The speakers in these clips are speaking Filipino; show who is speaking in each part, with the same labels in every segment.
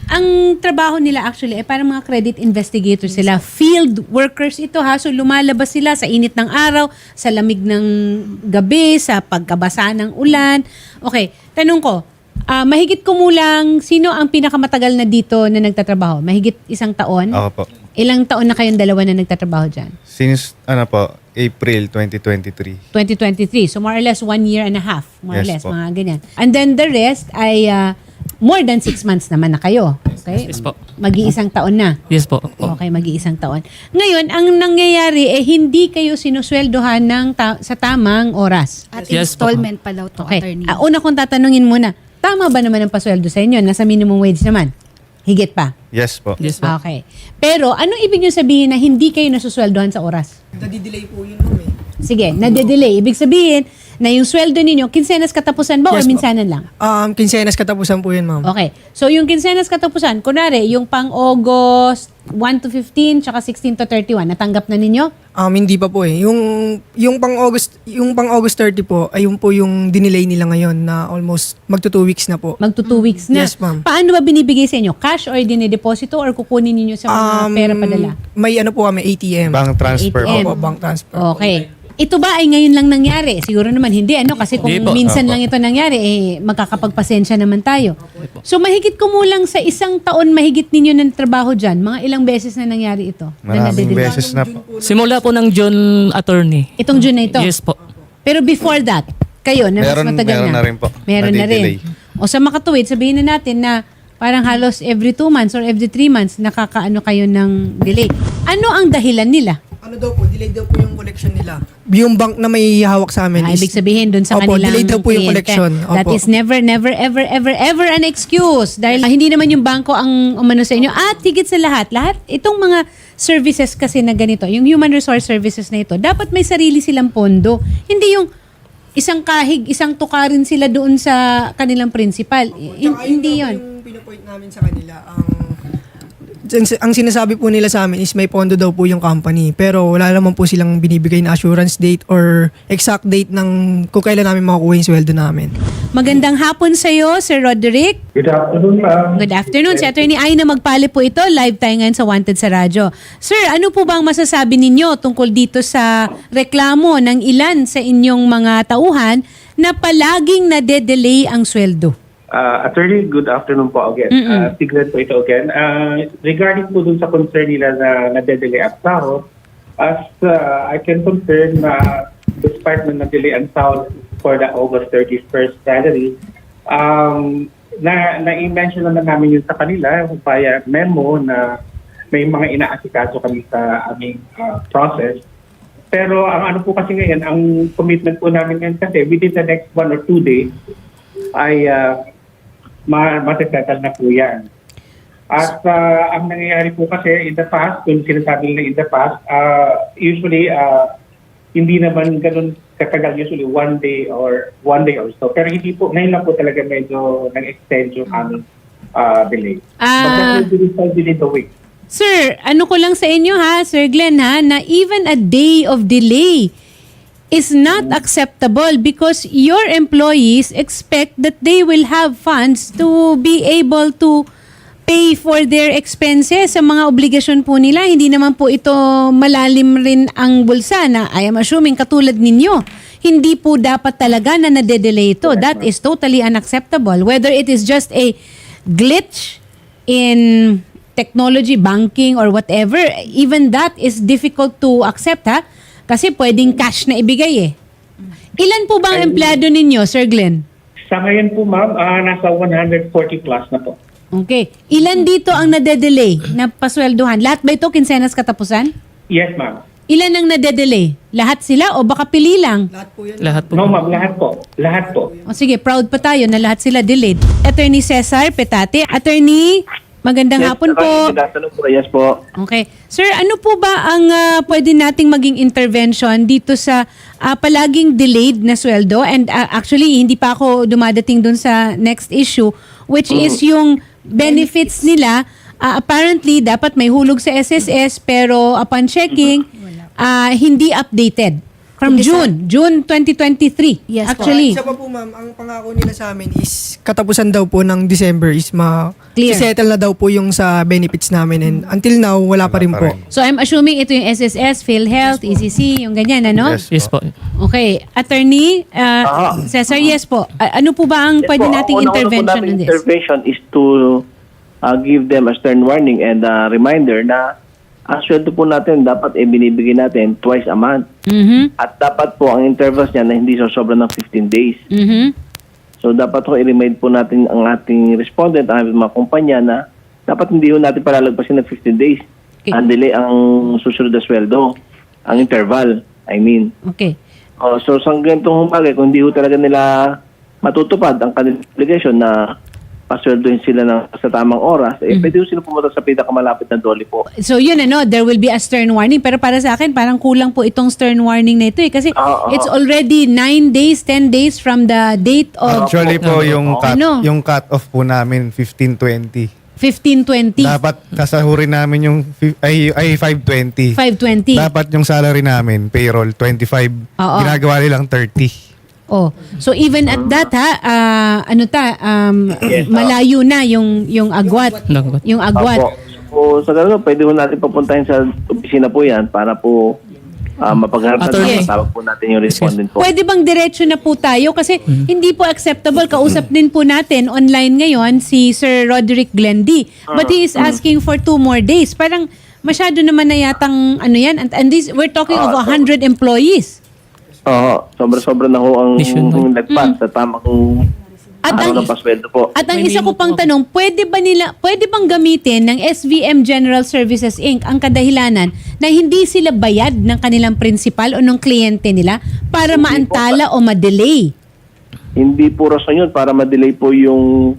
Speaker 1: Ang trabaho nila actually ay parang mga credit investigators sila. Field workers ito ha. So lumalabas sila sa init ng araw, sa lamig ng gabi, sa pagkabasa ng ulan. Okay, tanong ko, mahigit kumulang, sino ang pinakamatagal na dito na nagtatrabaho? Mahigit 1 taon?
Speaker 2: Ako po.
Speaker 1: Ilang taon na kayong dalawa na nagtatrabaho dyan?
Speaker 2: Since, April 2023.
Speaker 1: 2023. So more or less 1 year and a half. More or less,
Speaker 2: Yes po.
Speaker 1: mga ganyan. And then the rest ay more than 6 months naman na kayo. Okay?
Speaker 3: Yes po.
Speaker 1: Mag-iisang taon na.
Speaker 3: Yes po.
Speaker 1: Okay, mag-iisang taon. Ngayon, ang nangyayari hindi kayo sinusweldohan sa tamang oras.
Speaker 4: At
Speaker 3: Yes po.
Speaker 4: installment pa daw to,
Speaker 1: Okay.
Speaker 4: attorney.
Speaker 1: Una kong tatanungin muna, tama ba naman ang pasweldo sa inyo? Nasa minimum wage naman? Higit pa?
Speaker 2: Yes po.
Speaker 3: Yes po.
Speaker 1: Okay. Pero, anong ibig nyo sabihin na hindi kayo nasusweldohan sa oras?
Speaker 5: Nadidelay po yun, ma'am eh.
Speaker 1: Sige, nade-delay. Ibig sabihin na yung sweldo ninyo, kinsenas katapusan ba o
Speaker 5: Yes po.
Speaker 1: minsanan lang?
Speaker 5: Kinsenas katapusan po yun, ma'am.
Speaker 1: Okay. So, yung kinsenas katapusan, kunwari, yung pang August 1 to 15, tsaka 16 to 31, natanggap na ninyo?
Speaker 5: Hindi pa po eh. Yung pang August 30 po, ayun po yung dinelay nila ngayon na almost magto 2 weeks na po.
Speaker 1: Magto 2 weeks na.
Speaker 5: Yes, ma'am.
Speaker 1: Paano ba binibigay sa inyo? Cash or dinedeposito or kukunin ninyo sa mga pera padala?
Speaker 5: May ano po kami, ATM.
Speaker 2: Bank transfer
Speaker 1: ATM.
Speaker 2: po.
Speaker 5: Opo, bank transfer.
Speaker 1: Okay. Ito ba ay ngayon lang nangyari? Siguro naman hindi, ano? Kasi kung
Speaker 3: Hindi po.
Speaker 1: minsan
Speaker 2: Opo.
Speaker 1: lang ito nangyari, magkakapagpasensya naman tayo. So, mahigit kumulang sa 1 taon, mahigit ninyo ng trabaho dyan. Mga ilang beses na nangyari ito? Na
Speaker 2: Maraming
Speaker 1: nade-delay?
Speaker 2: beses na po.
Speaker 3: Simula po ng June, attorney.
Speaker 1: Itong June na ito?
Speaker 3: Yes po.
Speaker 1: Pero before that, kayo, na mas
Speaker 2: Meron-
Speaker 1: matagal
Speaker 2: meron na rin po.
Speaker 1: Meron na rin.
Speaker 2: Nadidelay.
Speaker 1: O sa makatuwid, sabihin na natin na parang halos every 2 months or every 3 months, nakakaano kayo ng delay. Ano ang dahilan nila?
Speaker 5: Ano daw po, delayed daw po yung collection nila. Yung bank na may hawak sa amin
Speaker 1: Ibig sabihin doon sa
Speaker 5: Opo,
Speaker 1: kanilang
Speaker 5: delayed daw po yung
Speaker 1: kliyente.
Speaker 5: collection.
Speaker 1: That
Speaker 5: Opo.
Speaker 1: is never, never, ever, ever, ever an excuse. Dahil hindi naman yung bangko ang umano sa inyo. At higit sa lahat, itong mga services kasi na ganito, yung human resource services na ito, dapat may sarili silang pondo. Hindi yung isang kahig, isang tukarin sila doon sa kanilang principal. Hindi yun.
Speaker 5: Yung pinapoint namin sa kanila, ang sinasabi po nila sa amin is may pondo daw po yung company. Pero wala naman po silang binibigay na assurance date or exact date ng kung kailan namin makukuha yung sweldo namin.
Speaker 1: Magandang hapon sa iyo, Sir Roderick.
Speaker 6: Good afternoon, ma'am.
Speaker 1: Good afternoon. Si Attorney Aina Magpali po ito. Live tayo ngayon sa Wanted sa Radyo. Sir, ano po ba ang masasabi ninyo tungkol dito sa reklamo ng ilan sa inyong mga tauhan na palaging nade-delay ang sweldo?
Speaker 6: Attorney, good afternoon po again. Tignan po ito again. Regarding po dun sa concern nila na nade-delay ang sahod, as I can confirm na despite na na-delay ang sahod for the August 31st salary, na-mention naman namin yun sa kanila via memo na may mga inaasikaso kami sa aming process. Pero ang ano po kasi ngayon, ang commitment po namin ngayon kasi within the next 1 or 2 days ay matisettle na po yan. At ang nangyayari po kasi in the past, kung sinasabi nila in the past, usually hindi naman ganun katagal, usually 1 day or so. Pero hindi po, ngayon lang po talaga medyo nag-extend yung aming delay. But that will be resolved within the week.
Speaker 1: Sir, ano ko lang sa inyo ha, Sir Glenn ha, na even a day of delay is not acceptable because your employees expect that they will have funds to be able to pay for their expenses sa mga obligasyon po nila. Hindi naman po ito malalim rin ang bulsa na I am assuming katulad ninyo. Hindi po dapat talaga na nade-delay ito. That is totally unacceptable. Whether it is just a glitch in technology, banking, or whatever, even that is difficult to accept ha. Kasi pwedeng cash na ibigay eh. Ilan po ba ang empleyado ninyo, Sir Glenn?
Speaker 6: Sa ngayon po, ma'am, nasa 140 plus na po.
Speaker 1: Okay. Ilan dito ang nade-delay na pasweldohan? Lahat ba ito kinsenas katapusan?
Speaker 6: Yes, ma'am.
Speaker 1: Ilan ang nade-delay? Lahat sila o baka pili lang?
Speaker 5: Lahat po yan.
Speaker 3: Lahat po.
Speaker 6: No, ma'am, lahat po. Lahat po.
Speaker 1: O sige, proud pa tayo na lahat sila delayed. Attorney Cesar Petate. Attorney, magandang hapon po.
Speaker 7: Good afternoon po. Yes po.
Speaker 1: Okay. Sir, ano po ba ang pwede nating maging intervention dito sa palaging delayed na sweldo? And actually, hindi pa ako dumadating dun sa next issue, which is yung benefits nila. Apparently, dapat may hulog sa SSS, pero upon checking, hindi updated. From June 2023.
Speaker 4: Yes po.
Speaker 1: Actually.
Speaker 5: Isa pa po ma'am, ang pangako nila sa amin is katapusan daw po ng December is
Speaker 1: Clear.
Speaker 5: settle na daw po yung sa benefits namin and until now wala pa rin po.
Speaker 1: So I'm assuming ito yung SSS, PhilHealth, ECC, yung ganyan, ano?
Speaker 2: Yes.
Speaker 3: Yes po.
Speaker 1: Okay. Attorney, Cesar, yes po. Ano po ba ang pwede nating intervention on this?
Speaker 7: Intervention is to give them a stern warning and a reminder na ang sweldo po natin dapat binibigay natin twice a month.
Speaker 1: Mhm.
Speaker 7: At dapat po ang intervals niya na hindi sobra ng 15 days.
Speaker 1: Mhm.
Speaker 7: So dapat po i-remind po natin ang ating respondent, ang ating mga kumpanya na dapat hindi po natin palalagpasin ng 15 days.
Speaker 1: Okay.
Speaker 7: Ang delay ang susunod na sweldo, ang interval, I mean.
Speaker 1: Okay.
Speaker 7: So sa ganitong bagay, kung hindi ho talaga nila matutupad ang kanilang obligation na pasweldohin sila sa tamang oras, pwede ho sila pumunta sa pinakamalapit na dole po.
Speaker 1: So yun there will be a stern warning. Pero para sa akin, parang kulang po itong stern warning na ito eh. Kasi it's already 9 days, 10 days from the date of
Speaker 2: Actually po, yung
Speaker 1: Ano?
Speaker 2: yung cut-off po namin, 15:20.
Speaker 1: 15-20,
Speaker 2: Dapat kasahurin namin yung 5:20.
Speaker 1: 5-20.
Speaker 2: Dapat yung salary namin, payroll, 25.
Speaker 1: Oo.
Speaker 2: Ginagawa nilang 30.
Speaker 1: Oh. So even at that malayo na yung agwat.
Speaker 3: Agwat.
Speaker 1: Yung agwat.
Speaker 7: Opo. So sa ganun, pwede ho natin papuntahin sa opisina po yan para po mapagharap
Speaker 3: Attorney.
Speaker 7: na tawag po natin yung respondent po.
Speaker 1: Pwede bang diretso na po tayo? Kasi hindi po acceptable. Kausap din po natin online ngayon si Sir Roderick Glendy. But he is asking for 2 more days. Parang masyado naman na yatang yan. And this, we're talking of 100 employees.
Speaker 7: Oo, sobra-sobra na ho ang
Speaker 3: Nationwide.
Speaker 7: nagpas sa tamang
Speaker 1: At
Speaker 7: araw
Speaker 1: ang-
Speaker 7: ng pasweldo po.
Speaker 1: At ang isa ko pang tanong, pwede bang gamitin ng SVM General Services Inc. ang kadahilanan na hindi sila bayad ng kanilang principal o ng kliyente nila para maantala o ma-delay?
Speaker 7: Hindi po rason yun para ma-delay po yung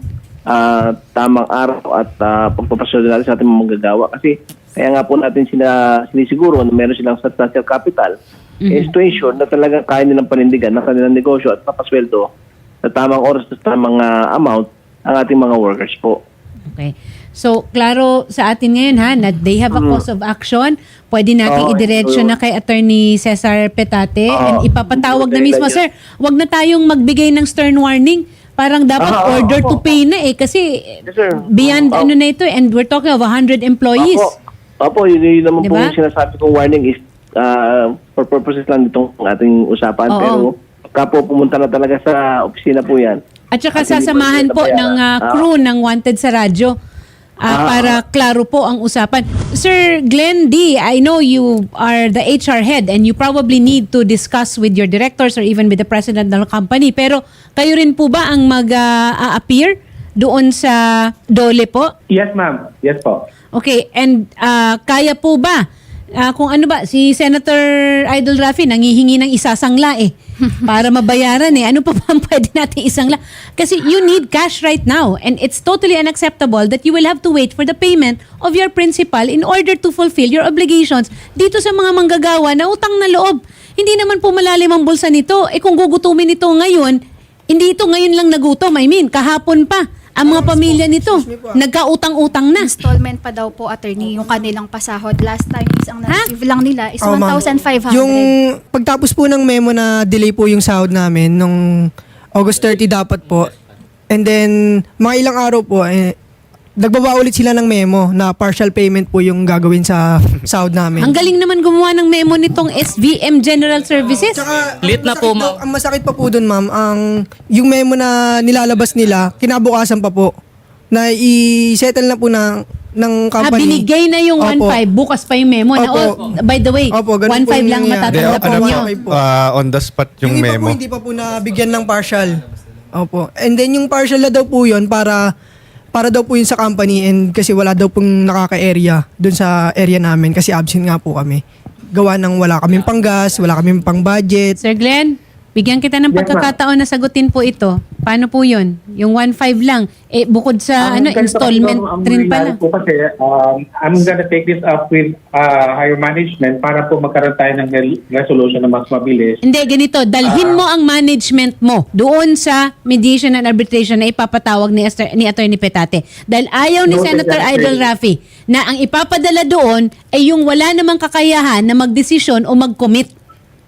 Speaker 7: tamang araw at pagpapasweldo natin sa ating mga manggagawa. Kasi kaya nga po natin sinisiguro na meron silang substantial capital is to ensure na talagang kaya nilang panindigan ng kanilang negosyo at papasweldo sa tamang oras at tamang amount ang ating mga workers po.
Speaker 1: Okay. So, klaro sa atin ngayon na they have a cause of action. Pwede natin idiretso na kay Attorney Cesar Petate and ipapatawag na mismo, sir, wag na tayong magbigay ng stern warning. Parang dapat order to pay na kasi
Speaker 7: Yes, sir.
Speaker 1: beyond na ito and we're talking of 100 employees.
Speaker 7: Opo, yun naman
Speaker 1: Diba?
Speaker 7: po yung sinasabi kong warning is for purposes lang itong ating usapan.
Speaker 1: Oo.
Speaker 7: Pero kapo pumunta na talaga sa opisina po yan.
Speaker 1: At saka
Speaker 7: At hindi
Speaker 1: sasamahan po
Speaker 7: po
Speaker 1: ng crew ng Wanted sa radyo para klaro po ang usapan. Sir Glenn D., I know you are the HR head and you probably need to discuss with your directors or even with the president ng company. Pero kayo rin po ba ang mag-appear doon sa DOLE po?
Speaker 6: Yes, ma'am. Yes po.
Speaker 1: Okay, and kaya po ba? Kung ano ba, si Senator Idol Rafi nangihingi ng isasangla para mabayaran Ano pa ba ang pwede natin isangla? Kasi you need cash right now and it's totally unacceptable that you will have to wait for the payment of your principal in order to fulfill your obligations dito sa mga manggagawa na utang na loob. Hindi naman po malalim ang bulsa nito. Kung gugutumin ito ngayon, hindi ito ngayon lang nagutom. I mean, kahapon pa. Ang mga pamilya nito, nagkautang-utang na.
Speaker 4: Installment pa daw po, attorney, yung kanilang pasahod. Last time is ang na-receive lang nila is
Speaker 5: Oo, ma'am.
Speaker 4: 1,500.
Speaker 5: Yung pagtapos po ng memo na delay po yung sahod namin nung August 30 dapat po. And then mga ilang araw po nagbaba ulit sila ng memo na partial payment po yung gagawin sa sahod namin.
Speaker 1: Ang galing naman gumawa ng memo nitong SVM General Services.
Speaker 5: Tsaka,
Speaker 3: Late na po, ma'am.
Speaker 5: Ang masakit pa po dun, ma'am, yung memo na nilalabas nila, kinabukasan pa po, na i-settle na po ng company.
Speaker 1: Binigay na yung
Speaker 5: Opo.
Speaker 1: 1.5, bukas pa yung memo. Na,
Speaker 5: Opo.
Speaker 1: by the way,
Speaker 5: Opo, ganun
Speaker 1: 1.5
Speaker 5: po yung
Speaker 1: lang
Speaker 5: nangyayari.
Speaker 1: matatanggap
Speaker 5: Opo,
Speaker 1: nyo.
Speaker 5: okay po.
Speaker 2: On the spot yung
Speaker 5: iba
Speaker 2: memo.
Speaker 5: po, hindi pa po nabigyan ng partial. Opo. And then yung partial na daw po yun para daw po yun sa company and kasi wala daw pong nakaka-area dun sa area namin kasi absent nga po kami. Gawa ng wala kaming panggas, wala kaming pang-budget.
Speaker 1: Sir Glenn, bigyan kita ng
Speaker 6: Yes,
Speaker 1: pagkakataon na sagutin po ito. Paano po yun? Yung 1.5 lang. Bukod sa
Speaker 6: Ganito
Speaker 1: installment
Speaker 6: ang
Speaker 1: rin pala.
Speaker 6: mangyayari po kasi, I'm gonna take this up with higher management para po magkaroon tayo ng resolution na mas mabilis.
Speaker 1: Hindi, ganito. Dalhin mo ang management mo doon sa mediation and arbitration na ipapatawag ni Attorney Petate. Dahil ayaw ni
Speaker 6: No,
Speaker 1: Senator
Speaker 6: exactly.
Speaker 1: Idol Rafi na ang ipapadala doon ay yung wala namang kakayahan na magdesisyon o mag-commit.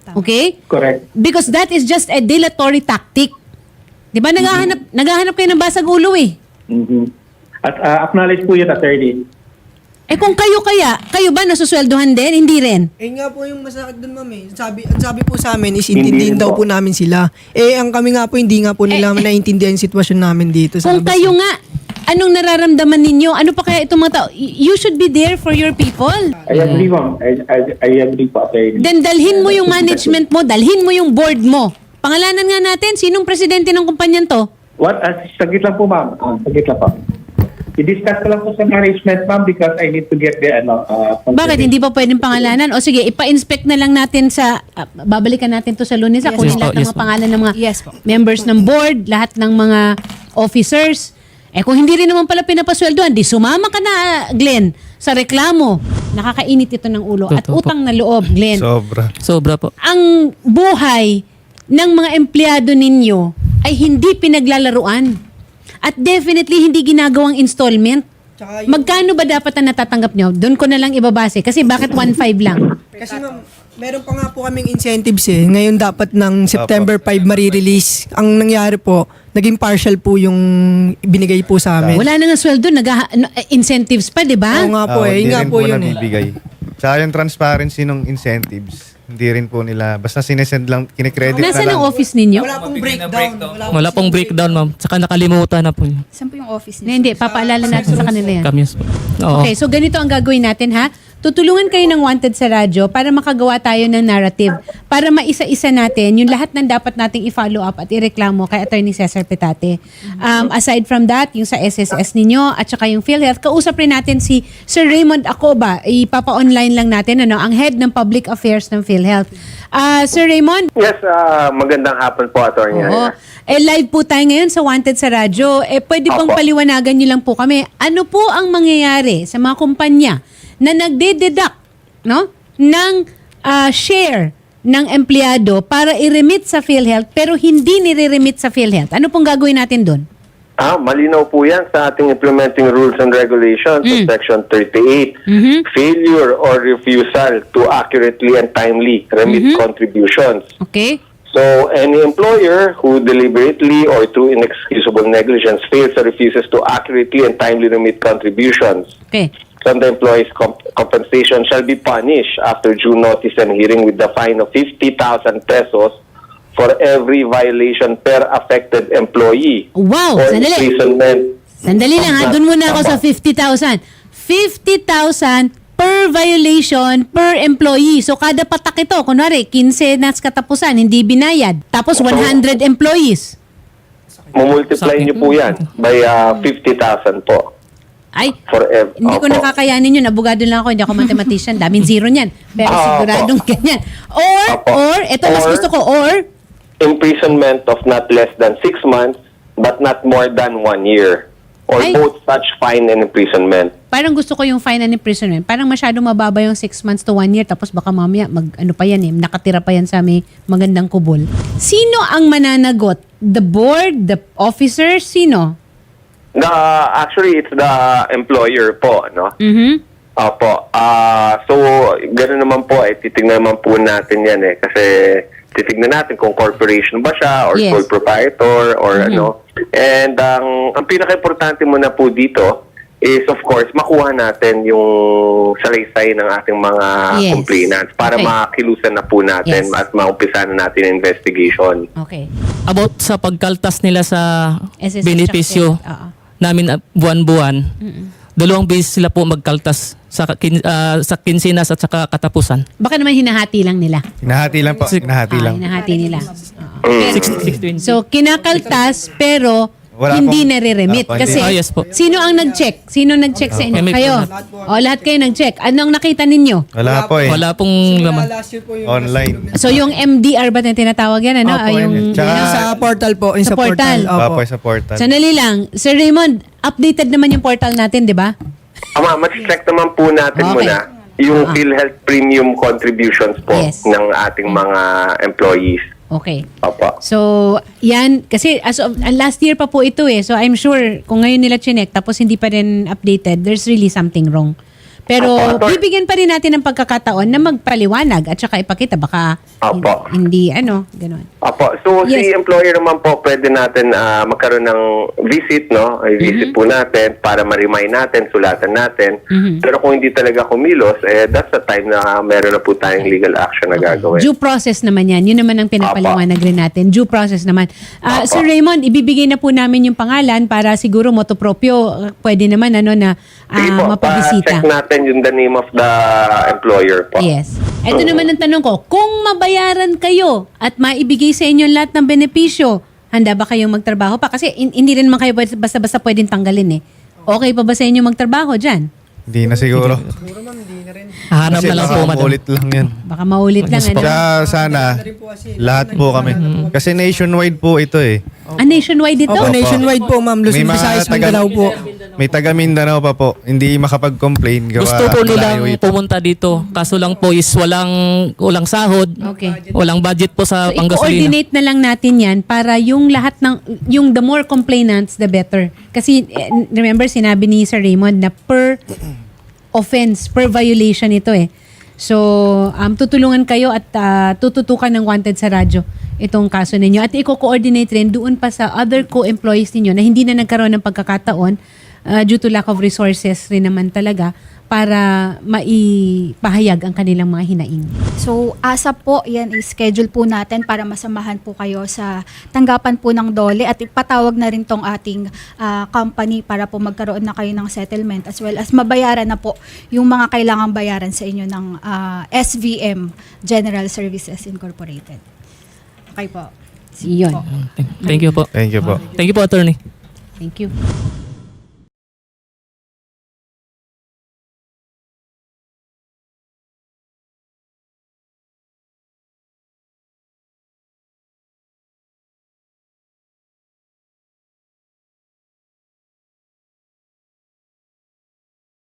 Speaker 1: Okay?
Speaker 6: Correct.
Speaker 1: Because that is just a dilatory tactic. Di ba naghahanap kayo ng basag ulo eh.
Speaker 6: Mhm. At acknowledge po yun, attorney.
Speaker 1: Eh kung kayo ba nasusweldohan din? Hindi rin.
Speaker 5: Eh nga po yung masakit dun, ma'am eh. Ang sabi po sa amin is intindihin
Speaker 6: Hindi
Speaker 5: daw
Speaker 6: po.
Speaker 5: po namin sila. Eh ang kami nga po hindi nga po nila naiintindihan yung sitwasyon namin dito sa
Speaker 1: Kung
Speaker 5: labas.
Speaker 1: kayo nga, anong nararamdaman ninyo? Ano pa kaya itong mga tao? You should be there for your people.
Speaker 6: I agree, ma'am. I agree po, attorney.
Speaker 1: Then dalhin mo yung management mo, dalhin mo yung board mo. Pangalanan nga natin, sinong presidente ng kumpanyan to?
Speaker 6: What? Saglit lang po, ma'am. Saglit lang po. I-discuss ko lang po sa management, ma'am, because I need to get the,
Speaker 1: Bakit hindi pa pwedeng pangalanan? O sige, ipa-inspect na lang natin sa, babalikan natin to sa Lunes,
Speaker 4: Yes,
Speaker 1: kunin
Speaker 3: po,
Speaker 1: lahat ng
Speaker 3: yes
Speaker 1: mga
Speaker 3: po.
Speaker 1: pangalan ng mga
Speaker 4: Yes po.
Speaker 1: members ng board, lahat ng mga officers. Eh kung hindi rin naman pala pinapasweldoan, di sumama ka na, Glenn, sa reklamo. Nakakainit ito ng ulo. At
Speaker 3: Totoo po.
Speaker 1: utang na loob, Glenn.
Speaker 2: Sobra.
Speaker 3: Sobra po.
Speaker 1: Ang buhay ng mga empleyado ninyo ay hindi pinaglalaruan. At definitely hindi ginagawang installment.
Speaker 5: Tsaka yung-
Speaker 1: Magkano ba dapat ang natatanggap nyo? Doon ko na lang ibabase. Kasi bakit 1.5 lang?
Speaker 5: Kasi ma'am, meron pa nga po kaming incentives eh. Ngayon dapat ng September 5 marirelease. Ang nangyari po, naging partial po yung binigay po sa amin.
Speaker 1: Wala na nga sweldo, incentives pa, di ba?
Speaker 5: Oo nga po eh. Yun nga po yun eh.
Speaker 2: nabibigay. Tsaka yung transparency ng incentives, hindi rin po nila, basta sinesend lang, kinikredit na
Speaker 1: Nasaan
Speaker 2: lang.
Speaker 1: ang office ninyo?
Speaker 5: Wala pong breakdown.
Speaker 3: Wala pong breakdown, ma'am. Tsaka nakalimutan na po niya.
Speaker 4: Saan po yung office
Speaker 1: Na
Speaker 4: niyo?
Speaker 1: hindi, papaalala natin sa kanila yan.
Speaker 3: Kami po. Oo.
Speaker 1: Okay, so ganito ang gagawin natin ha. Tutulungan kayo ng Wanted sa radyo para makagawa tayo ng narrative. Para maisa-isa natin yung lahat ng dapat nating i-follow up at ireklamo kay Attorney Cesar Petate. Aside from that, yung sa SSS ninyo at saka yung PhilHealth, kausap rin natin si Sir Raymond Acoba. Ipapa-online lang natin, ang head ng Public Affairs ng PhilHealth. Sir Raymond?
Speaker 8: Yes, magandang hapon po, Atty.
Speaker 1: Oo. Live po tayo ngayon sa Wanted sa radyo. Pwede bang
Speaker 8: Opo.
Speaker 1: paliwanagan nyo lang po kami, ano po ang mangyayari sa mga kumpanya na nagde-deduct ng share ng empleyado para i-remit sa PhilHealth pero hindi nire-remit sa PhilHealth? Ano pong gagawin natin doon?
Speaker 8: Malinaw po yan sa ating implementing rules and regulations of Section 38. Failure or refusal to accurately and timely remit contributions.
Speaker 1: Okay?
Speaker 8: So, any employer who deliberately or through inexcusable negligence fails or refuses to accurately and timely remit contributions,
Speaker 1: Okay.
Speaker 8: from the employee's compensation shall be punished after due notice and hearing with the fine of 50,000 pesos for every violation per affected employee.
Speaker 1: Wow!
Speaker 8: Or
Speaker 1: Sandali.
Speaker 8: imprisonment.
Speaker 1: Sandali lang ha. Doon muna ako sa 50,000. 50,000 per violation per employee. So kada patak ito, kunwari, 15 na katapusan, hindi binayad. Tapos 100 employees.
Speaker 8: Mumultiply niyo po yan by 50,000 po.
Speaker 1: Ay,
Speaker 8: For
Speaker 1: hindi ko nakakayanin yun. Abogado lang ako, hindi ako mathematician. Daming zero niyan. Pero siguradong ganyan. Or, ito mas gusto ko, or,
Speaker 8: Imprisonment of not less than 6 months but not more than 1 year. Or
Speaker 1: Ay.
Speaker 8: both such fine and imprisonment.
Speaker 1: parang gusto ko yung fine and imprisonment. Parang masyadong mababa yung 6 months to 1 year. Tapos baka mamaya, ano pa yan nakatira pa yan sa may magandang kubol. Sino ang mananagot? The board? The officers? Sino?
Speaker 8: Actually, it's the employer po, no?
Speaker 1: Mhm.
Speaker 8: Opo. So, gano'n naman po, titignan naman po natin yan kasi titignan natin kung corporation ba siya or
Speaker 1: Yes.
Speaker 8: sole proprietor or ano. And ang pinaka-importante muna po dito is of course makuha natin yung salaysay ng ating mga
Speaker 1: Yes.
Speaker 8: complainants para
Speaker 1: Okay.
Speaker 8: makilusan na po natin
Speaker 1: Yes.
Speaker 8: at maumpisa na natin yung investigation.
Speaker 1: Okay.
Speaker 3: About sa pagkaltas nila sa
Speaker 1: SSS
Speaker 3: benepisyo
Speaker 1: tsaka PhilHealth.
Speaker 3: namin buwan-buwan, dalawang beses sila po magkaltas sa kinsinas at saka katapusan.
Speaker 1: Baka naman hinahati lang nila.
Speaker 2: Hinahati lang po. Hinahati lang.
Speaker 1: Hinahati nila. Oo.
Speaker 3: 620.
Speaker 1: So, kinakaltas pero
Speaker 2: Wala
Speaker 1: hindi
Speaker 2: pong-
Speaker 1: nare-remit.
Speaker 2: Opo,
Speaker 1: Kasi,
Speaker 3: hindi. Yes po.
Speaker 1: sino ang nag-check? Sino nag-check sa inyo?
Speaker 3: Kami po
Speaker 1: Kayo?
Speaker 3: lahat.
Speaker 1: O, lahat kayo nag-check. Anong nakita ninyo?
Speaker 2: Wala po eh.
Speaker 3: Wala pong laman.
Speaker 5: Last year po yung
Speaker 2: Online.
Speaker 1: So, yung MDR ba na tinatawag yan? Ano?
Speaker 5: Opo,
Speaker 1: Yung,
Speaker 2: Tsaka-
Speaker 5: Yung sa portal po. Yung
Speaker 1: Sa
Speaker 5: sa
Speaker 1: portal.
Speaker 5: portal. Opo.
Speaker 2: Opo, sa portal.
Speaker 1: Sandali lang. Sir Raymond, updated naman yung portal natin, di ba?
Speaker 8: Mag-check naman po natin
Speaker 1: Okay.
Speaker 8: muna yung PhilHealth premium contributions po
Speaker 1: Yes.
Speaker 8: ng ating mga employees.
Speaker 1: Okay.
Speaker 8: Opo.
Speaker 1: So, yan. Kasi as of, last year pa po ito eh. So, I'm sure kung ngayon nila chinek tapos hindi pa rin updated, there's really something wrong. Pero
Speaker 8: Opo.
Speaker 1: bibigyan pa rin natin ng pagkakataon na magpaliwanag at saka ipakita baka
Speaker 8: Opo.
Speaker 1: hindi gano'n.
Speaker 8: Opo. So,
Speaker 1: Yes.
Speaker 8: si employer naman po, pwede natin magkaroon ng visit, no? Ay visit po natin para ma-remind natin, sulatan natin. Pero kung hindi talaga kumilos, that's the time na meron na po tayong legal action na gagawin.
Speaker 1: Due process naman yan. Yun naman ang pinapaliwanag rin natin. Due process naman.
Speaker 8: Opo.
Speaker 1: Sir Raymond, ibibigay na po namin yung pangalan para siguro motopropyo, pwede naman na
Speaker 8: Sige po,
Speaker 1: mapabisita.
Speaker 8: check natin yung the name of the employer po.
Speaker 1: Yes. Ito naman ang tanong ko, kung mabayaran kayo at maibigay sa inyo lahat ng benepisyo, handa ba kayong magtrabaho pa? Kasi hindi rin naman kayo basta-basta pwedeng tanggalin eh. Okay pa ba sa inyo magtrabaho dyan?
Speaker 2: Hindi na siguro.
Speaker 3: Hahanap
Speaker 2: Kasi
Speaker 3: na lang
Speaker 2: baka
Speaker 3: po, madam.
Speaker 2: maulit lang yan.
Speaker 1: Baka maulit lang. Ano?
Speaker 2: Kaya sana, lahat po kami. Kasi nationwide po ito eh.
Speaker 1: Nationwide ito?
Speaker 5: Opo, nationwide po, ma'am. Luzon,
Speaker 2: May mga
Speaker 5: Visayas,
Speaker 2: taga-
Speaker 5: Mindanao po.
Speaker 2: May taga Mindanao pa po. Hindi makapag-complain. Gawa
Speaker 3: Gusto po nilang
Speaker 2: malayo ito.
Speaker 3: pumunta dito. Kaso lang po is walang sahod.
Speaker 1: Okay.
Speaker 3: Walang budget po sa
Speaker 1: So,
Speaker 3: panggasolina.
Speaker 1: i-coordinate na lang natin yan para yung lahat yung the more complainants, the better. Kasi, remember, sinabi ni Sir Raymond na per offense, per violation ito eh. So, tutulungan kayo at tututukan ng wanted sa radyo itong kaso ninyo. At i-coordinate rin doon pa sa other co-employees ninyo na hindi na nagkaroon ng pagkakataon due to lack of resources rin naman talaga para maipahayag ang kanilang mga hinaing.
Speaker 4: So, ASAP po, yan i-schedule po natin para masamahan po kayo sa tanggapan po ng DOLE at ipatawag na rin tong ating company para po magkaroon na kayo ng settlement as well as mabayaran na po yung mga kailangang bayaran sa inyo ng SVM, General Services Incorporated. Okay po.
Speaker 1: Yun.
Speaker 3: Thank you po.
Speaker 2: Thank you po.
Speaker 3: Thank you po, attorney.
Speaker 1: Thank you.